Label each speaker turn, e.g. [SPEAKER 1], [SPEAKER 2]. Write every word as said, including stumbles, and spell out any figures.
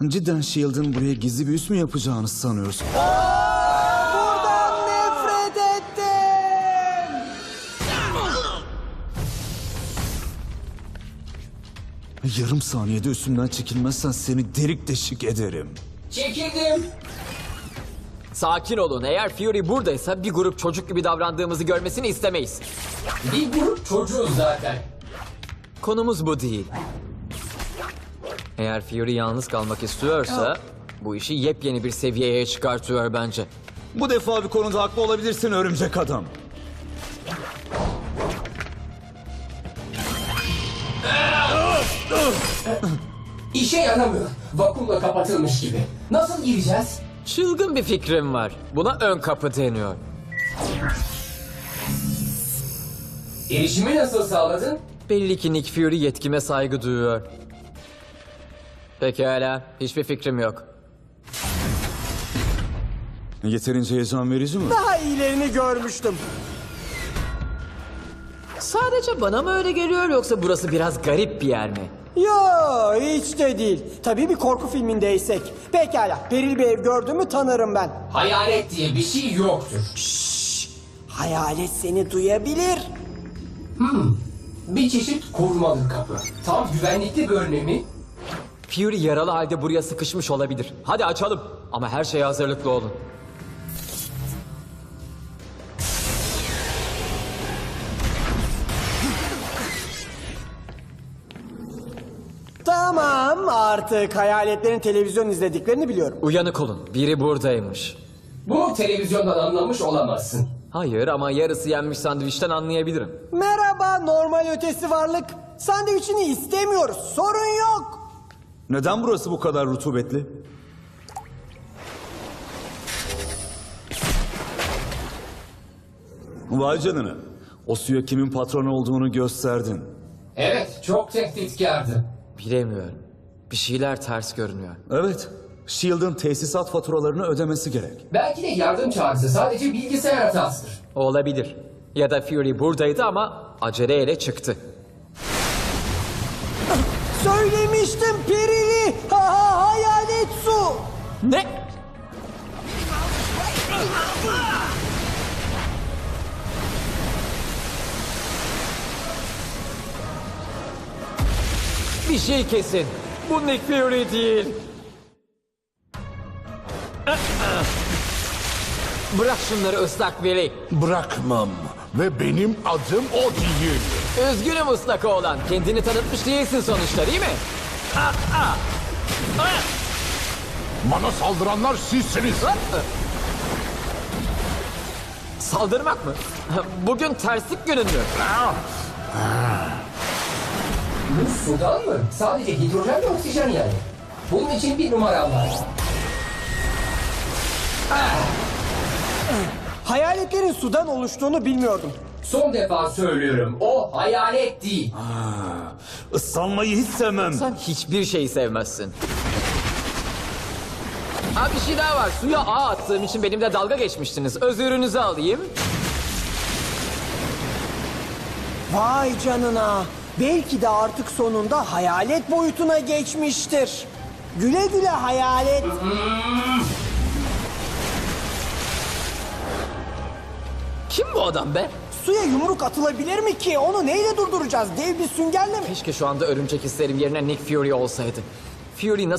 [SPEAKER 1] Cidden Shield'ın buraya gizli bir üs mü yapacağını sanıyorsun?
[SPEAKER 2] Buradan nefret ettim.
[SPEAKER 1] Yarım saniyede üstümden çekilmezsen seni delik deşik ederim.
[SPEAKER 3] Çekildim.
[SPEAKER 4] Sakin olun. Eğer Fury buradaysa bir grup çocuk gibi davrandığımızı görmesini istemeyiz.
[SPEAKER 3] Bir grup çocuğuz zaten.
[SPEAKER 4] Konumuz bu değil. Eğer Fury yalnız kalmak istiyorsa bu işi yepyeni bir seviyeye çıkartıyor bence.
[SPEAKER 1] Bu defa bir konuda haklı olabilirsin örümcek adam.
[SPEAKER 3] İşe yaramıyor. Vakumla kapatılmış gibi. Nasıl gireceğiz?
[SPEAKER 4] Çılgın bir fikrim var. Buna ön kapı deniyor.
[SPEAKER 3] Erişimi nasıl sağladın?
[SPEAKER 4] Belli ki Nick Fury yetkime saygı duyuyor. Pekala, hiçbir fikrim yok.
[SPEAKER 1] Yeterince heyecan verici mi?
[SPEAKER 2] Daha iyilerini görmüştüm.
[SPEAKER 4] Sadece bana mı öyle geliyor yoksa burası biraz garip bir yer mi?
[SPEAKER 2] Yo, hiç de değil. Tabii bir korku filmindeysek. Pekala, peril bir ev gördüğümü tanırım ben.
[SPEAKER 3] Hayalet diye bir şey yoktur.
[SPEAKER 2] Hayalet seni duyabilir.
[SPEAKER 3] Bir çeşit korumalı kapı. Tam güvenlikli bir önlemi.
[SPEAKER 4] Fury yaralı halde buraya sıkışmış olabilir. Hadi açalım. Ama her şeye hazırlıklı olun.
[SPEAKER 2] Tamam, artık hayaletlerin televizyon izlediklerini biliyorum.
[SPEAKER 4] Uyanık olun. Biri buradaymış.
[SPEAKER 3] Bu televizyondan anlamış olamazsın.
[SPEAKER 4] Hayır ama yarısı yenmiş sandviçten anlayabilirim.
[SPEAKER 2] Merhaba normal ötesi varlık. Sandviçini istemiyoruz, sorun yok.
[SPEAKER 1] Neden burası bu kadar rutubetli? Vay canına. O suya kimin patronu olduğunu gösterdin.
[SPEAKER 3] Evet, çok tehditkardı.
[SPEAKER 4] Bilemiyorum. Bir şeyler ters görünüyor.
[SPEAKER 1] Evet. Shield'ın tesisat faturalarını ödemesi gerek.
[SPEAKER 3] Belki de yardım çağrısı sadece bilgisayar hatasıdır.
[SPEAKER 4] Olabilir. Ya da Fury buradaydı ama aceleyle çıktı.
[SPEAKER 2] Söylemiştim perili. Ha ha hayalet su.
[SPEAKER 4] Ne? Bir şey kesin. Bu Nick Fury değil. Bırak şunları ıslak Willy.
[SPEAKER 5] Bırakmam ve benim adım o değil.
[SPEAKER 4] Üzgünüm ıslak oğlan. Kendini tanıtmış değilsin sonuçta değil mi?
[SPEAKER 5] Bana saldıranlar sizsiniz.
[SPEAKER 4] Saldırmak mı? Bugün terslik günün mü?
[SPEAKER 3] Bu sudan mı? Sadece hidrojen ve oksijen yani. Bunun için bir numaram var.
[SPEAKER 2] Hayaletlerin sudan oluştuğunu bilmiyordum.
[SPEAKER 3] Son defa söylüyorum. O hayalet değil.
[SPEAKER 1] Islanmayı hiç sevmem.
[SPEAKER 4] Sen hiçbir şeyi sevmezsin. Ha bir şey daha var. Suya ağ attığım için benimle dalga geçmiştiniz. Özürünüzü alayım.
[SPEAKER 2] Vay canına. Belki de artık sonunda hayalet boyutuna geçmiştir. Güle güle hayalet.
[SPEAKER 4] Kim bu adam be?
[SPEAKER 2] Suya yumruk atılabilir mi ki? Onu neyle durduracağız? Dev bir süngerle mi?
[SPEAKER 4] Keşke şu anda örümcek hislerim yerine Nick Fury olsaydı. Fury nasıl